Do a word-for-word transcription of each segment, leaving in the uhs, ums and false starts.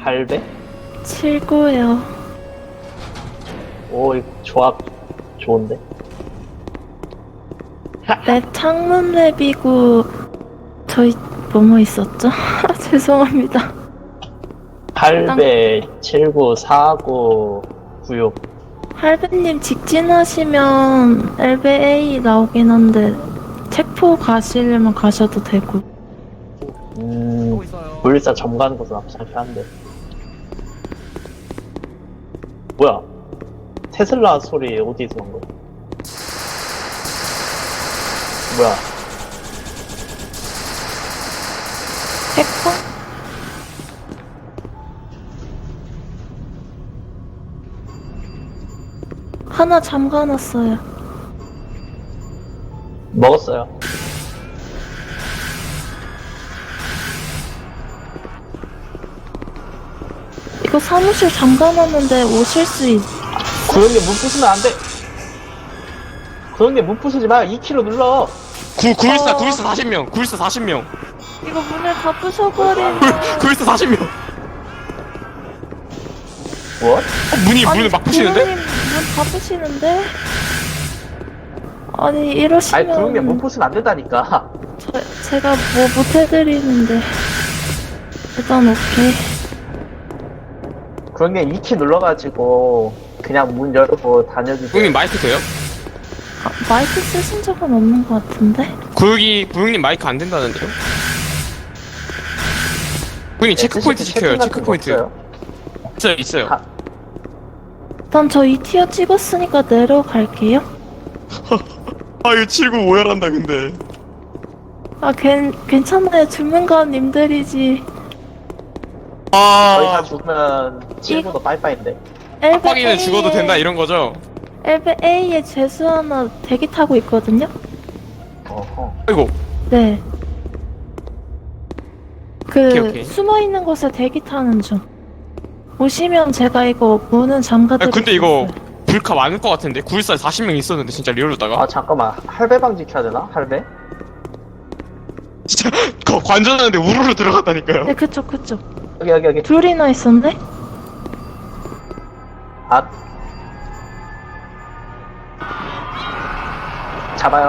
팔 배? 칠구요. 오, 이 조합 좋은데? 랩 창문 랩이고 저희 뭐뭐 있었죠? 죄송합니다. 팔 배, 칠구, 사구, 구육. 할배님 직진하시면 엘베 에이 나오긴 한데 책포 가시려면 가셔도 되고. 음, 불사 점 가는 것은 앞살게 한데. 뭐야? 테슬라 소리 어디서 난 거야? 뭐야? 책포? 하나 잠가놨어요. 먹었어요. 이거 사무실 잠가놨는데 오실 수 있... 구형님 문 부수면 안 돼! 구형님 문 부수지 마! 이 킬로 눌러! 구, 구일사, 어. 구일사 사십 명, 구일사 사십 명. 이거 문을 다 부셔버리면... 구일사 사십 명. 뭐? 어, 문이, 문을 막 부시는데? 문다 부시는데? 아니 아니, 이러시면... 구형님 문 부수면 안 된다니까. 저, 제가 뭐 못해드리는데... 일단 오케이. 구형님 이 키 눌러가지고 그냥 문 열고 다녀주세요. 구육님 마이크 돼요? 아, 마이크 쓰신 적은 없는 것 같은데? 구육이, 구육님 마이크 안 된다는데요? 구육님 체크포인트 지켜요, 체크포인트. 없어요? 있어요, 있어요. 아. 일단 저 이 티어 찍었으니까 내려갈게요. 아, 이거 칠구 오열한다, 근데. 아, 괜, 괜찮아요. 주문관님들이지. 저희 다 아, 죽으면 칠구도 빠이빠이인데. 빡빡이는 죽어도 된다, 이런 거죠? 엘베 A에 죄수 하나 대기 타고 있거든요? 어허. 아이고, 네. 그, 오케이, 오케이. 숨어있는 곳에 대기 타는 중. 오시면 제가 이거 문은 아, 잠가드릴게요. 근데 이거 불카 많을 것 같은데? 구일사에 사십 명 있었는데, 진짜 리얼로다가. 아 잠깐만, 할배방 지켜야 되나? 할배? 진짜, 거 관전하는데 우르르 들어갔다니까요. 네, 그쪽, 그쪽. 여기 여기 여기. 둘이나 있었네? 아. 잡아요.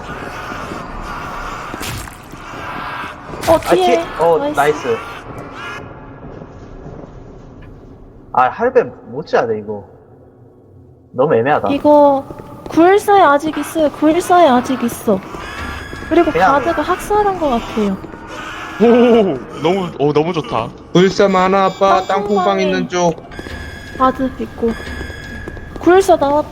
어, 아, 뒤에. 뒤에. 어, 나이스. 아, 할배 못 지어야 돼, 이거. 너무 애매하다. 이거 구일사에 아직 있어요. 구일사에 아직 있어. 그리고 그냥- 가드가 학살한 것 같아요. 오, 너무, 어, 너무 좋다. 불사 많아 아빠 땅콩방에- 땅콩방 있는 쪽. 가드 있고. 구일사 나왔.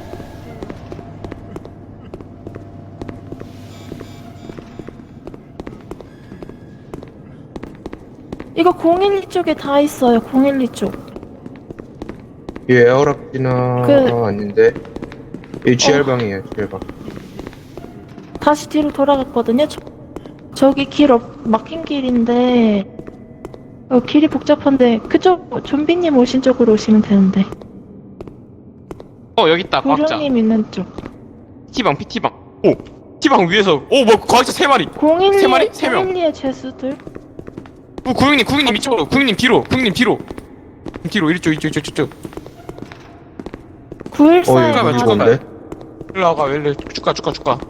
이거 공일이 쪽에 다 있어요. 공일이 쪽. 이 에어락지나 그- 어, 아닌데. 이 지알방이에요 지알방. 다시 뒤로 돌아갔거든요. 저, 저기 길 없, 막힌 길인데 어, 길이 복잡한데 그쪽 좀비님 오신 쪽으로 오시면 되는데. 어, 여기 있다, 과학자. 구령님 있는 쪽. 피티방, 피티방. 오, 피티방 위에서. 오, 뭐, 과학자 세 마리. 공일이 세 마리? 세 명. 공일이의 죄수들. 오, 구육님, 구육님 이쪽으로. 구육님 뒤로. 구육님 뒤로. 뒤로, 이쪽, 이쪽, 이쪽, 이쪽. 어 구일사에 이거 왜 가드. 죽었네. 일로 와가, 일로 쭉 가, 쭉 가, 쭉 가.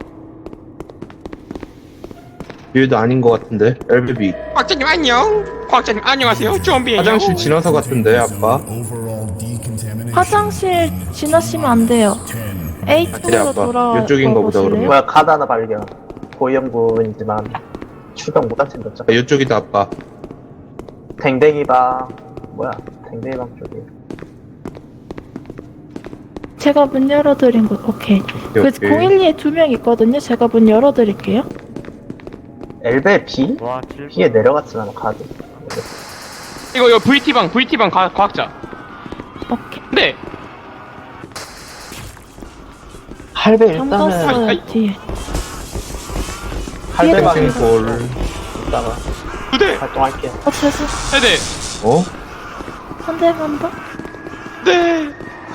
얘도 아닌 것 같은데. 엘베비 과학자님 안녕. 과학자님 안녕하세요. 좀비예요. 화장실 지나서 같은데 아빠. 화장실 지나시면 안 돼요. A 그래, 쪽으로 아빠. 돌아. 이쪽인가 보다, 그러면. 뭐야, 카드 하나 발견. 고위험군이지만 출동 못할 챙겼죠. 아, 이쪽이다 아빠. 댕댕이방. 뭐야, 댕댕이방 쪽에. 제가 문 열어드린 곳. 오케이. 그 오케이. 공일이에 두 명 있거든요. 제가 문 열어드릴게요. 엘베 B? B에 내려갔지만 가드. 이거, 이거 브이티방, 브이티방 과, 과학자. 오케이. 네. 할배 일단은 잠갔어요 아이. 뒤에. 할배방에 뒤에도 볼. 있다가 두 대. 활동할게요. 어 죄송. 네네. 어? 한 대만 더. 네.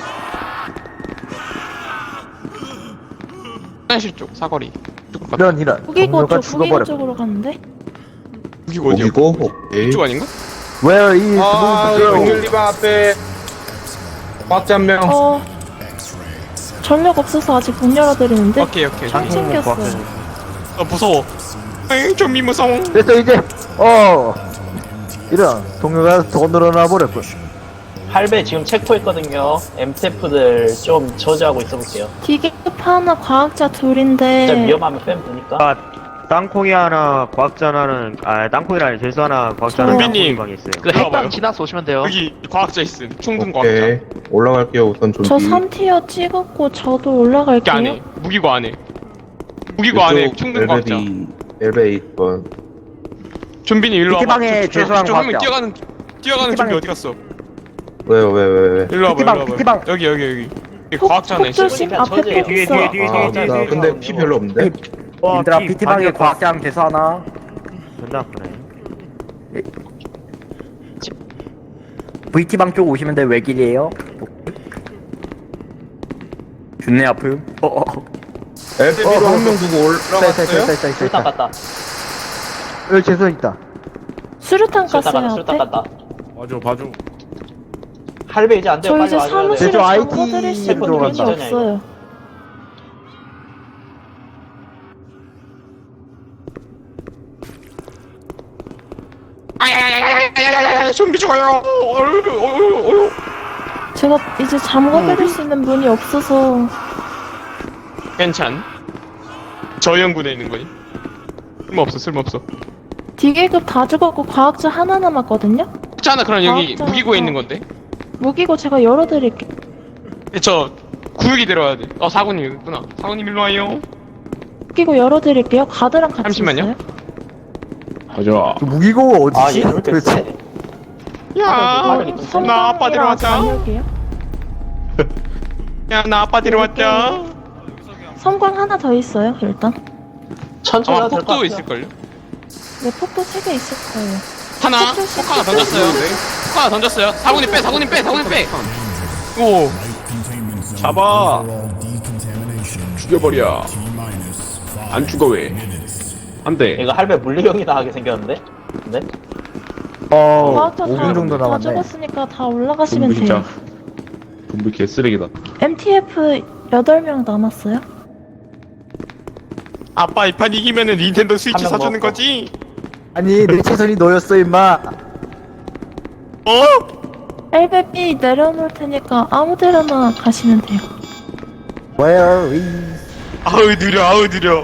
화장실 쪽, 사거리. 쪽으로 가. 이런 이런 무기고 동료가 쪽, 무기고 죽어버려. 쪽으로 갔는데? 여기가 어디야? 여기고 오케이. 이쪽 아닌가? Where is 아, Smooth Girl? 백율리방 앞에 과학자 한 명. 어 전력 없어서 아직 못 열어드리는데 오케이 오케이. 총 챙겼어요. 아 무서워. 에이 좀비 무서워. 됐어 이제. 어. 이런 동료가 더 늘어나 버렸군. 할배 지금 체포했거든요. 엠테프들 좀 저지하고 있어 볼게요. 디계급 하나 과학자 진짜 둘인데 위험하면 빼면 되니까. 아, 땅콩이 하나, 과학자 하나는, 아, 땅콩이라 재수 하나, 과학자 하나 좀비님. 방에 있어요. 그 들어와봐요. 핵방 지나서 오시면 돼요. 여기 과학자 있음. 충동 과학자. 오케이. 올라갈게요, 우선 좀비. 저 삼 티어 찍었고 저도 이렇게 올라갈게요. 안에 무기고 안에. 무기고 안에 충동 과학자. 엘베비, 엘베 이 번. 좀비님 일로 와봐. 피티방에 저- 저- 죄수한 저 형님 과학자. 뛰어가는 뛰어가는 좀비 피티방에- 어디 갔어? 왜요, 왜, 왜, 왜? 일로 와봐. 피티방, 일로 와봐. 피티방. 여기 여기 여기. 여기 폭, 과학자 하나 폭 있어. 조심 그러니까 앞에 저기 폭 뒤에, 있어. 뒤에, 뒤에, 아, 뒤에, 나 뒤에, 근데 뒤에. 피 별로 없는데? 와, 얘들아 피 피티방에 반격 과학장 재수 하나. 존나 아프네. 브이티방 쪽 오시면 돼. 외길이에요. 준내 아픔. 어어. 엘베비로 어, 한 명 두고 올라갔어요? 쌀쌀쌀쌀쌀. 술탄 갔다. 여기 재수 있다. 수류탄 술탄 갔다. 갔어요 술탄 앞에. 갔다. 봐줘 봐줘. 할배 이제 안 돼요. 저 빨리 이제 와줘야 돼. 사무실에 제주 아이티 잠궈드릴 수 있는 들어간다. 분이 없어요. 아야야야야야야야 좀비 죽어요. 어휴, 어휴, 어휴. 제가 이제 잠궈드릴 수 있는 분이 없어서 괜찮. 저 연군에 있는 거니? 쓸모없어 쓸모없어. 디계급 다 죽었고 과학자 하나 남았거든요? 있잖아 그럼 여기 과학자 무기고에 하나. 있는 건데. 무기고 제가 열어드릴게요. 저 구역이 들어와야 돼. 어 사군님 있구나. 사군님 일로 와요. 무기고 열어드릴게요. 가드랑 같이 잠시만요. 있어요. 그 무기고 아, 어디지? 얘 이렇게 도대체? 세. 야, 화력이 좀 세네. 나 아빠 데려왔자. 삼각이에요. 야, 나 아빠 데려왔자. 섬광 하나 더 있어요. 일단 천천히 아마 해도 될것 폭도 같아요. 있을걸요? 네 폭도 세 개 있을 거예요. 하나, 폭 조심, 폭 하나 폭 던졌어요. 폭 하나 던졌어요. 사군님 빼, 사군님 빼, 사군님 빼. 오, 잡아. 죽여버려. 안 죽어 왜? 안 돼. 이거 할배 물리형이 나가게 생겼는데? 근데? 어. 과학자 오 분 다, 정도 다 남았네. 죽었으니까 다 올라가시면 좀비 진짜. 돼요. 좀비 개쓰레기다. 엠티에프 여덟 명 남았어요. 아빠 이 판 이기면은 닌텐도 스위치 한명 사주는 먹었고. 거지? 아니 내 최선이 너였어 임마. 어? 엘베비 내려놓을 테니까 아무 데나 가시면 돼요. Where is? 아우 느려, 아우 느려.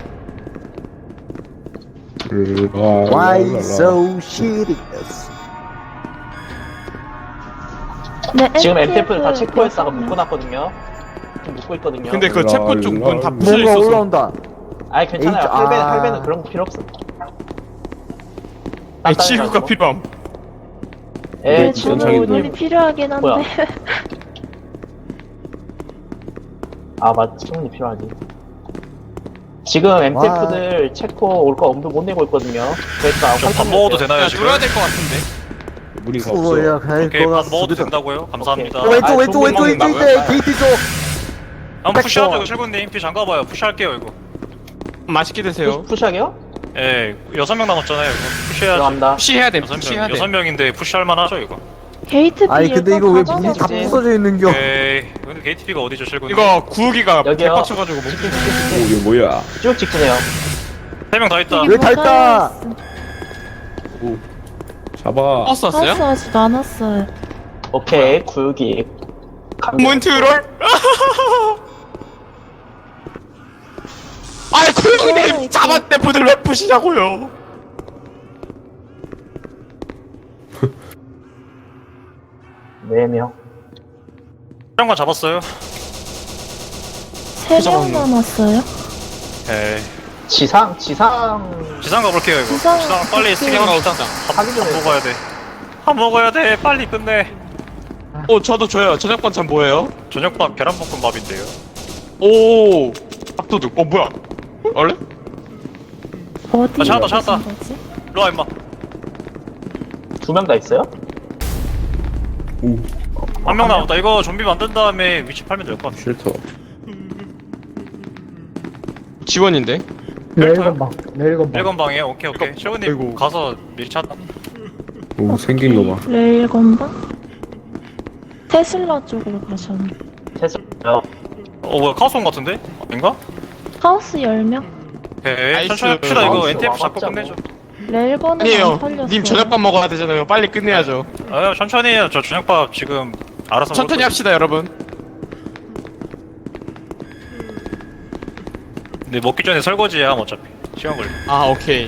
Why so serious? 네, 지금 엠테프를 다 엠티에프 체포했다가 여섯 명. 묶어놨거든요. 지금 묶고 있거든요. 근데 그 체포 쪽 문 다 부서 뭔가 있어서. 올라온다. 아니 괜찮아요. H- 할배, 아. 할배는 그런 거 필요 없어. 아니 치료가 필요함. 예, 네, 지금 저는 전차기도 문이 필요하긴 한데 뭐야? 아 맞, 충분히 필요하지. 지금 엠테프들 체코 올 거 엄두 못 내고 있거든요. 그러니까 저 밥 먹어도 되나요 야, 지금? 돌아야 될 것 같은데. 무리가 뭐야 없어. 갈 오케이 거가 밥 먹어도 없어. 된다고요? 감사합니다. 오케이. 왼쪽 아, 왼쪽 좀비 왼쪽 왼쪽 먹는다고요? 있대 게이트 쪽. 한번 푸시하죠 백퍼. 이거 실군님 피 잠가봐요. 푸시할게요 이거. 맛있게 드세요. 푸- 푸시하게요? 예 여섯 명 남았잖아요 이거. 푸시해야죠. 들어갑니다. 푸시해야 돼. 여섯 푸시해야 명 돼. 여섯 명인데 푸시할 만하죠 이거. 게이트 비 아니 근데 이거 왜 일단 문이 다 닫아놓고 부서져 있는겨? 오케이. 근데 게이트 B가 어디죠 실군님? 이거 구우기가 여기요. 개빡쳐가지고 못. 오 이거 뭐야? 쭉 직진해요. 세 명 다 있다. 왜 다 있다? 잡아. 버스 가스 왔어요? 아직 안 왔어요. 오케이, 구육이. 몬트롤? 아이 구형님 잡았대 분을 왜 푸시냐고요? 네 명. 촬영관 잡았어요. 세 명 남았어요. 에이. 지상, 지상. 지상 가볼게요 이거. 지상 지상, 빨리 갈게요. 쓰게 합시다. 밥, 하기 전에 밥 먹어야 돼. 밥 먹어야 돼. 빨리 끝내. 어 저도 줘요. 저녁 반찬 뭐예요? 저녁밥 계란볶음밥인데요. 오 밥도둑. 어 뭐야? 원래? 어디? 아, 찾았다, 찾았다. 거지? 일로 와 임마. 두 명 다 있어요? 한 명 남았다. 이거 좀비 만든 다음에 위치 팔면 될 것 같아. 쉘터. 지원인데. 내일건방 내일건방. 일건 방이에요. 오케이 오케이. 최훈님 아이고. 가서 미리 찾다. 오 생긴 거 봐. 레일 건방? 테슬라 쪽으로 가셨네. 테슬라요. 어 뭐야 카오스 온 같은데? 아닌가? 하우스 열 명? 오케이 나이스. 천천히 합시다 이거 마우스 엔티에프 잡고 와봤자고. 끝내죠. 레일 거는 안 아니에요. 털렸어요. 님 저녁밥 먹어야 되잖아요. 빨리 끝내야죠. 아 천천히 해요. 저 저녁밥 지금 알아서 천천히 먹을 합시다, 여러분. 거예요. 근데 먹기 전에 설거지야 어차피 시간 걸려. 아, 오케이.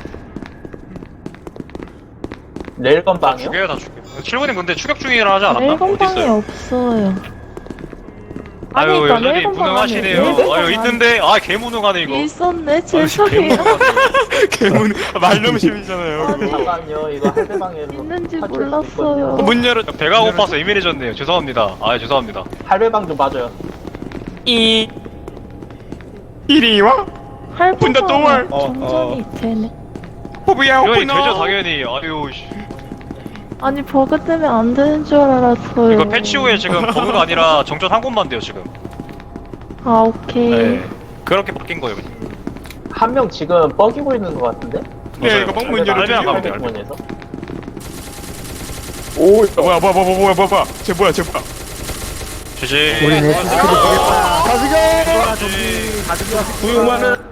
레일건 다 방이요? 죽여요 다 죽여. 칠분님 근데 추격 중이라 하지 않았나? 레일 어디 건방이 있어요? 없어요. 아유 그러니까 여전히 레일 건방 무능하시네요. 아니에요. 레일 아유 건방 있는데 아 개무능하네 이거. 있었네. 죄송해요. 개문 말넘심이잖아요. 아니, 잠깐요. 이거 할배방에 있는지 탈출할 수 몰랐어요. 있거든요. 문 열어. 배가 고파서 예민해졌네요. 죄송합니다. 아 죄송합니다. 할배방 좀 봐줘요. 이 이리 와. 오픈 더 도어. 할부가 정전이 되네. 호부야, 이건이 오픈 되죠 더. 당연히. 아유 씨. 아니 버그 때문에 안 되는 줄 알았어요. 이거 패치 후에 지금 버그가 아니라 정전 한 곳만 돼요 지금. 아 오케이. 네. 그렇게 바뀐 거예요. 한 명 지금 뻐기고 있는 것 같은데? 네, 이거 방문 할배방 열어주세요. 가면 돼요. 할배방에서. 오 뭐야, 뭐야, 뭐야, 뭐야, 뭐야, 뭐야. 쟤 뭐야, 쟤 뭐야. 지지. 우리 내 스크립 되겠다. 가지고! 지지. 고용 많은